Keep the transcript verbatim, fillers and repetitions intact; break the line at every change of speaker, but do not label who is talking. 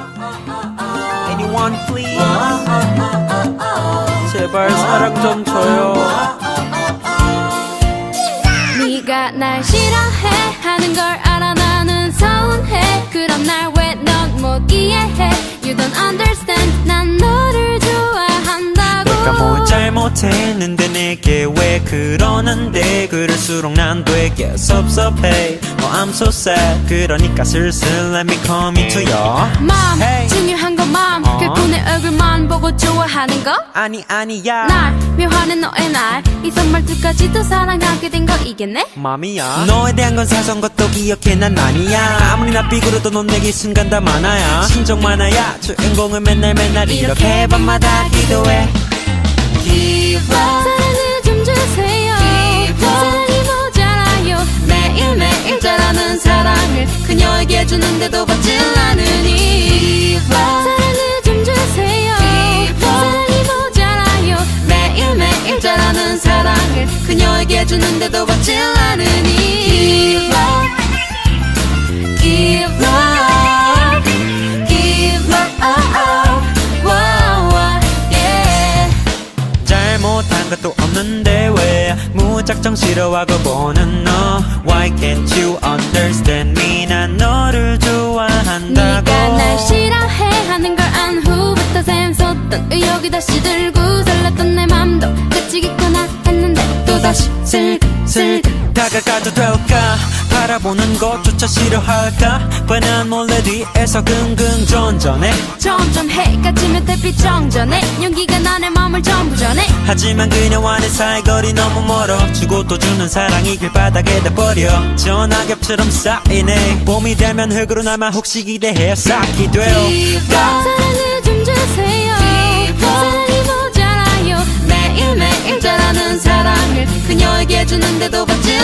Anyone please 제발 사랑 좀 줘요
네가 날 싫어해 하는 걸 알아 나는 서운해 그럼 날 왜 넌 못 이해해 You don't understand 난 너를 좋아한다고
내가 뭘 잘못했는데 내게 왜 그러는데 그럴수록 난 되게 섭섭해 Oh I'm so sad 그러니까 슬슬 let me come into your
맘
Hey.
중요한 건 맘
어?
그분의 얼굴만 보고 좋아하는 거
아니 아니야
날 묘하는 너의 날 이 선말투까지도 사랑하게 된 거 이겠네
맘이야 너에 대한 건 사소한 것도 기억해 난 아니야 아무리 나 삐그러도 넌 내게 순간 다 많아야 신정 많아야 주인공은 맨날 맨날 이렇게 밤마다 기도해 Give up
사랑을 좀 주세요 사랑이 모자라요 매일매일 자라는 사랑을 그녀에게 주는데도 받질 않으니 사랑을 좀 주세요 사랑이 모자라요 매일매일 자라는 사랑을 그녀에게 주는데도 받질 않으니 Give up Give up Give up wow, yeah.
잘못한 것도 없는데 왜 무작정 싫어하고 보는 너 Why can't you understand me 난 너를 좋아한다고
네가 날 싫어해 하는 걸 안 후부터 샘솟던 의욕이 다시 들고 설렜던 내 맘도 끝이겠구나 했는데 또다시 슬슬
다가가도 될까 바라보는 것조차 싫어할까 뻔한 몰래 뒤에서 긍긍전전해
점점 해가 지면 달빛 정전해 용기가 나의 맘을 전부 전해
하지만 그녀와의 사이거리 너무 멀어 주고 또 주는 사랑이 길바닥에 닿버려 전화겹처럼 쌓이네 봄이 되면 흙으로 남아 혹시 기대해 쌓기 돼요
사랑을 좀 주세요 사랑이 모자라요 매일매일 자라는 사랑을 그녀에게 주는데도 받지